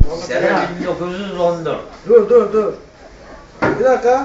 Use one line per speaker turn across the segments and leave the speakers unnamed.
Sene 1914.
Dur. Bir dakika.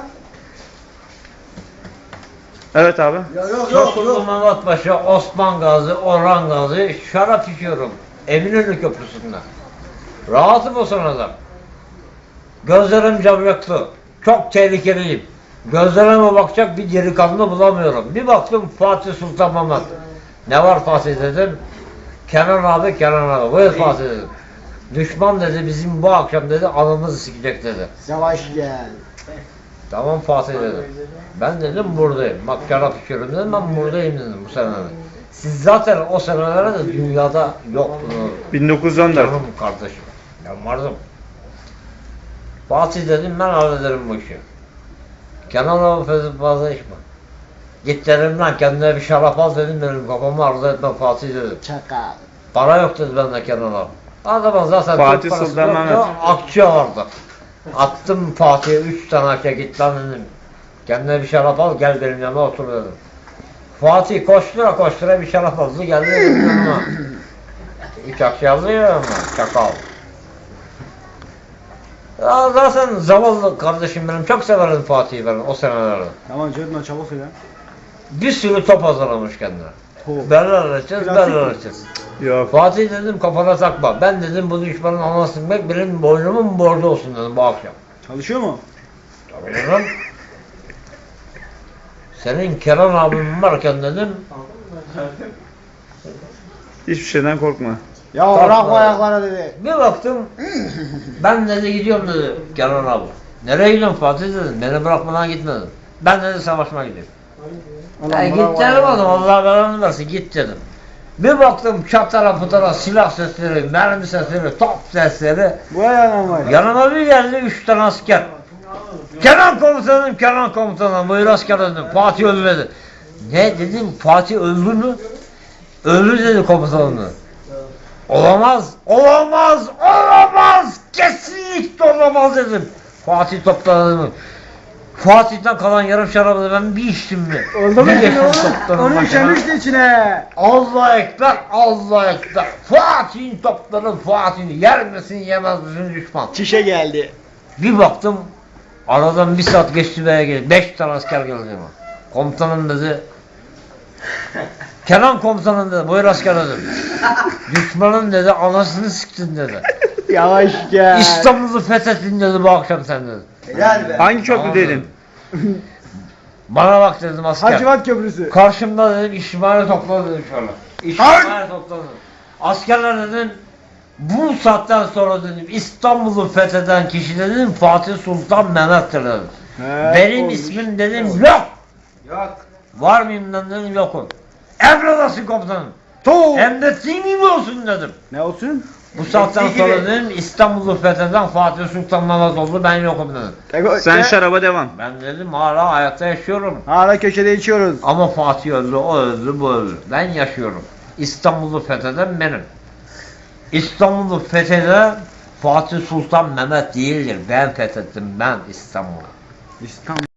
Evet abi.
Ya yok.
Tosunlu Mehmet Paşa, Osman Gazi, Orhan Gazi şarap içiyorum. Eminönü Köprüsü'nde. Rahatım o sırada. Gözlerim camyaklı. Çok tehlikeliyim. Gözlerime bakacak bir delikanlı bulamıyorum. Bir baktım Fatih Sultan Mehmet. Ne var Fatih dedim. Kenan abi. Buyur Fatih dedim. Düşman dedi bizim bu akşam dedi anımızı sikecek dedi.
Yavaş gel.
Tamam Fatih dedim. Ben dedim buradayım. Bak şarap içiyorum dedim ben buradayım dedim bu senelerde. Siz zaten o senelerde de dünyada yoktunuz.
1914.
Canım kardeşim. Ben vardım. Fatih dedim ben hallederim bu işi. Kenan abi fazla içme. Git dedim lan kendine bir şarap al dedim benim kafamı arzu etme Fatih dedim.
Çakal.
Para yok dedi bende Kenan abi. Adamın zaten
Fatih
Türk parası
Sultan
yoktu,
Mehmet.
akçe vardı. Attım Fatih'e 3 tane akçe git lan dedim. Kendine bir şarap al gel benim yanıma otur dedim. Fatih koştura bir şarap aldı geldi benim yanıma. 3 akçe aldı ya ama çakal. Ya zaten zavallı kardeşim benim çok severim Fatih'i ben o senelerde.
Tamam Cedman çabuk söyle.
Bir sürü top hazırlamış kendine.
Top.
Berler açacağız.
Yok.
Fatih dedim kafana takma. Ben dedim bu düşmanın anasını sıkmak benim boynumun borcu olsun dedim bu akşam.
Çalışıyor mu?
Tabii dedim. Senin Kenan abim varken dedim.
Hiçbir şeyden korkma.
Ya
Kalkma.
bırakma ayaklara dedi.
Bir baktım. Ben dedi gidiyorum dedi Kenan abi. Nereye gidiyorsun Fatih dedim. Beni bırakmadan gitme dedim. Ben dedi savaşmaya gidiyorum. Git dedim oğlum Allah belanı versin git dedim. Bir baktım çatara putara silah sesleri, mermi sesleri, top sesleri.
Bu ayağına var.
Yanıma bir geldi 3 tane asker. Kenan komutanım buyur asker dedim. Fatih öldü dedi. Ne dedim Fatih öldü mü? Öldü dedi komutanım. Olamaz, kesinlikle olamaz dedim. Fatih topladı. Fatih'ten kalan yarım şarabı ben bir içtim mi?
Oldu mu
Bir
şimdi
geçtim
oğlum?
toplarım
Onu
başına.
işemişti içine.
Allah ekber. Fatih'in topları Fatih'in yer misin yemez misin düşman.
Çişe geldi.
Bir baktım aradan bir saat geçti veya geldi. 5 tane asker geldi ama. Komutanım dedi. Kenan komutanım dedi. Buyur asker dedim. Düşmanın dedi anasını siktin dedi.
Yavaş gel.
İstanbul'u fethettin dedi bu akşam sen dedi.
Helal be.
Hangi
Tamam
köprüdeydin?
dedim. Bana bak dedim asker.
Hacivat Köprüsü.
Karşımda dedim İsmail'i topladı dedim şöyle. İsmail'i topladı. Askerler dedim bu saatten sonra dedim İstanbul'u fetheden kişi dedim Fatih Sultan Mehmet'tir dedim. Benim ismim dedim yok. Var mıyım lan dedim yokum. Emredasın komutanım. Emrettiğin gibi olsun dedim.
Ne olsun?
Bu saatten sonra dedim İstanbul'u fetheden Fatih Sultan Mehmet oldu ben yokum dedim.
Sen şaraba devam.
Ben dedim hala hayatta yaşıyorum.
Hala köşede içiyoruz.
Ama Fatih öldü, o öldü, bu öldü. Ben yaşıyorum. İstanbul'u fetheden benim. İstanbul'u fetheden Fatih Sultan Mehmet değildir. Ben fethettim ben İstanbul'u.
İstanbul.